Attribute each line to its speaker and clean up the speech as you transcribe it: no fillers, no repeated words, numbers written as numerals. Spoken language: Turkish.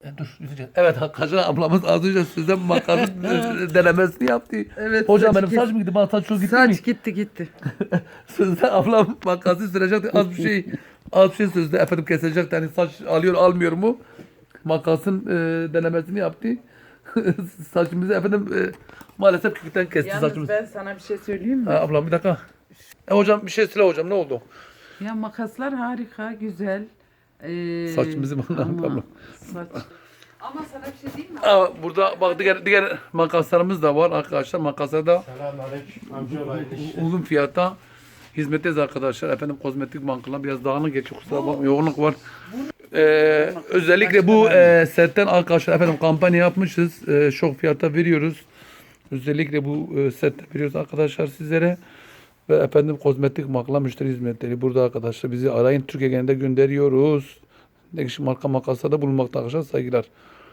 Speaker 1: Dur üzüleceğiz. Evet Kaşar ablamız az önce sizden makas denemesini yaptı.
Speaker 2: Evet.
Speaker 1: Hocam
Speaker 2: saç
Speaker 1: benim
Speaker 2: gitti.
Speaker 1: saç mı gitti? Bana saç çok gitti mi?
Speaker 2: Saç gitti.
Speaker 1: Sözde ablam makası sürecekti. Az bir şey sözde efendim kesilecek. Yani saç alıyor almıyor mu? Makasın denemesini yaptı. Saçımızı efendim maalesef kökten kesti
Speaker 2: Yalnız
Speaker 1: saçımızı.
Speaker 2: ben sana bir şey söyleyeyim mi?
Speaker 1: Ablam bir dakika. Hocam bir şey söyle hocam ne oldu?
Speaker 2: Ya makaslar harika, güzel.
Speaker 1: Saçımızı bana
Speaker 2: ama
Speaker 1: ablam.
Speaker 2: saç. Ama sana bir şey diyeyim mi?
Speaker 1: Burada bak diğer makaslarımız da var arkadaşlar. Makaslar da
Speaker 3: Selamünaleyküm. Amcaoğlu.
Speaker 1: uygun fiyata hizmetteyiz arkadaşlar. Efendim kozmetik bankalar biraz dağınık geçiyor. Kusura bakmayın. Yoğunluk var. Özellikle bu setten arkadaşlar efendim kampanya yapmışız. Şok fiyata veriyoruz. Özellikle bu sette veriyoruz arkadaşlar sizlere. Ve efendim kozmetik makla müşteri hizmetleri burada arkadaşlar. Bizi arayın. Türkiye genelinde gönderiyoruz. Ne kişi marka makaslarda bulunmakta arkadaşlar. Saygılar.